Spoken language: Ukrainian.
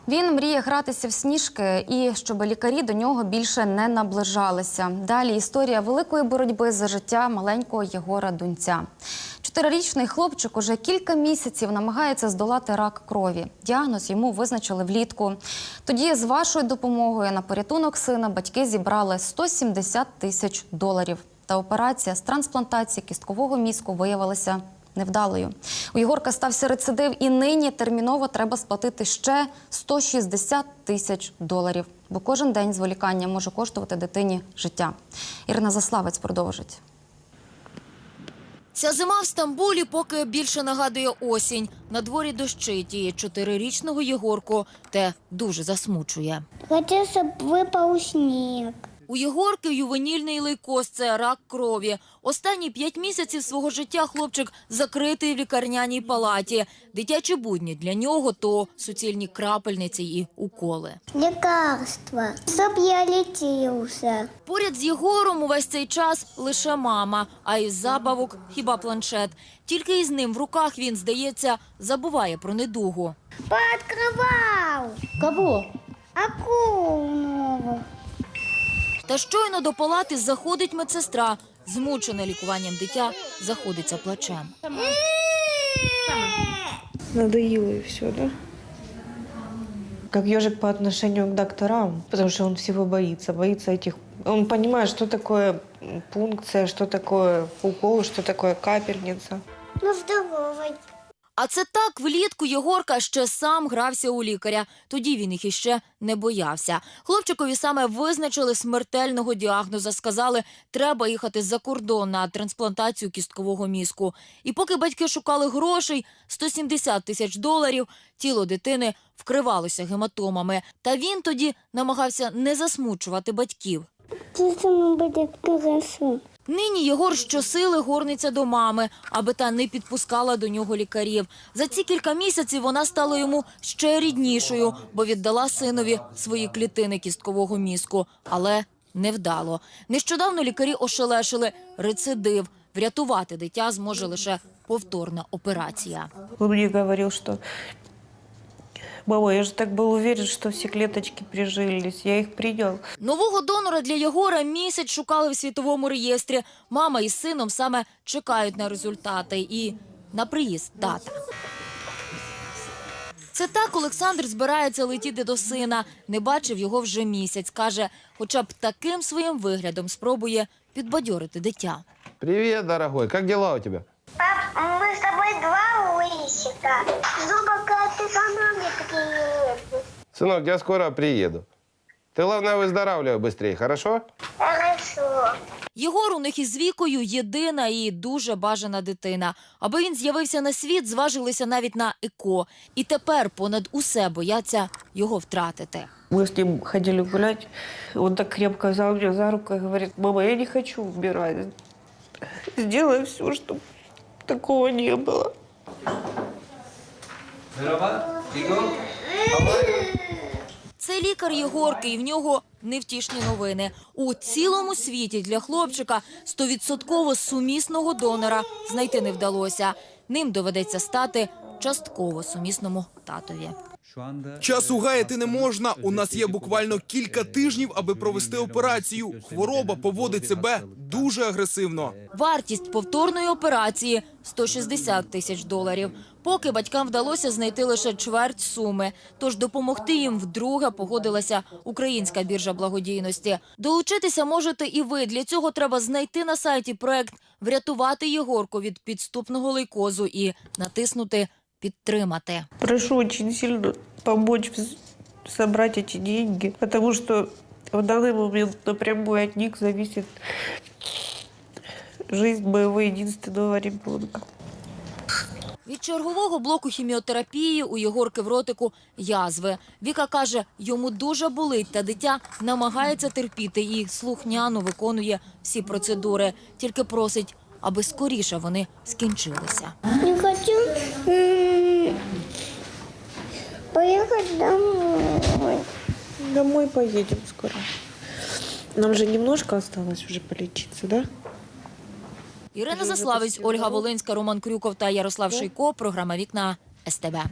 Він мріє гратися в сніжки і щоб лікарі до нього більше не наближалися. Далі історія великої боротьби за життя маленького Єгора Дунця. 4-річний хлопчик уже кілька місяців намагається здолати рак крові. Діагноз йому визначили влітку. Тоді з вашою допомогою на порятунок сина батьки зібрали $170 тисяч. Та операція з трансплантації кісткового мізку виявилася невдалою. У Єгорка стався рецидив і нині терміново треба сплатити ще $160 тисяч. Бо кожен день зволікання може коштувати дитині життя. Ірина Заславець продовжить. Ця зима в Стамбулі поки більше нагадує осінь. На дворі дощить і 4-річного Єгорку те дуже засмучує. Хочу, щоб випав сніг. У Єгорки ювенільний лейкоз – це рак крові. Останні 5 місяців свого життя хлопчик закритий в лікарняній палаті. Дитячі будні для нього – то суцільні крапельниці і уколи. Лікарства, щоб я літився. Поряд з Єгором увесь цей час лише мама, а із забавок – хіба планшет. Тільки із ним в руках він, здається, забуває про недугу. Пооткривав. Кого? Акулу нову. Та щойно до палати заходить медсестра. Змучена лікуванням дитя, заходиться плачем. Надоело и все, да? Как ежик по отношению к докторам, потому что он всего боится. Боится этих... Он понимает, что такое пункция, что такое укол, что такое капельница. Ну, здоровий. А це так, влітку Єгорка ще сам грався у лікаря. Тоді він їх іще не боявся. Хлопчикові саме визначили смертельного діагноза. Сказали, треба їхати за кордон на трансплантацію кісткового мізку. І поки батьки шукали грошей, $170 тисяч, тіло дитини вкривалося гематомами. Та він тоді намагався не засмучувати батьків. Це саме буде хорошо. Нині Єгор щосили горниться до мами, аби та не підпускала до нього лікарів. За ці кілька місяців вона стала йому ще ріднішою, бо віддала синові свої клітини кісткового мізку. Але невдало. Нещодавно лікарі ошелешили – рецидив. Врятувати дитя зможе лише повторна операція. Он мне говорил, что... Мама, я же так был уверен, что все клеточки прижились. Я их принял. Нового донора для Єгора місяць шукали в світовому реєстрі. Мама із сином саме чекають на результати і на приїзд тата. Це так Олександр збирається летіти до сина. Не бачив його вже місяць. Каже, хоча б таким своїм виглядом спробує підбадьорити дитя. Привет, дорогой. Как дела у тебя? Пап, ми з тобою два лисика. Зуба, коли ти за нами приїдеш. Сынок, я скоро приеду. Ты, главное, выздоравливай быстрее, хорошо? Хорошо. Єгор у них із Вікою єдина і дуже бажана дитина. Аби він з'явився на світ, зважилися навіть на ЕКО. І тепер понад усе бояться його втратити. Мы с ним ходили гулять. Он так крепко взял меня за руку и говорит: мама, я не хочу умирать. Сделай все, чтобы такого не было. Це лікар Єгорки, і в нього невтішні новини. У цілому світі для хлопчика 100% сумісного донора знайти не вдалося. Ним доведеться стати частково сумісному татові. Часу гаяти не можна. У нас є буквально кілька тижнів, аби провести операцію. Хвороба поводить себе дуже агресивно. Вартість повторної операції – $160 тисяч. Поки батькам вдалося знайти лише чверть суми. Тож допомогти їм вдруге погодилася Українська біржа благодійності. Долучитися можете і ви. Для цього треба знайти на сайті проект «Врятувати Єгорку від підступного лейкозу» і натиснути «Підтримати». Прошу очень сильно помочь собрать эти деньги, потому что в данный момент напрямую от них зависит жизнь моего единственного ребенка. Від чергового блоку хіміотерапії у Єгорки в ротику язви. Віка каже, йому дуже болить, та дитя намагається терпіти і слухняно виконує всі процедури. Тільки просить, аби скоріше вони скінчилися. Не хочу поехать домой. Домой поедем скоро. Нам же немножко осталось уже полечиться, да? Ірина Заславець, Ольга Волинська, Роман Крюков та Ярослав Шийко. Програма «Вікна» СТБ.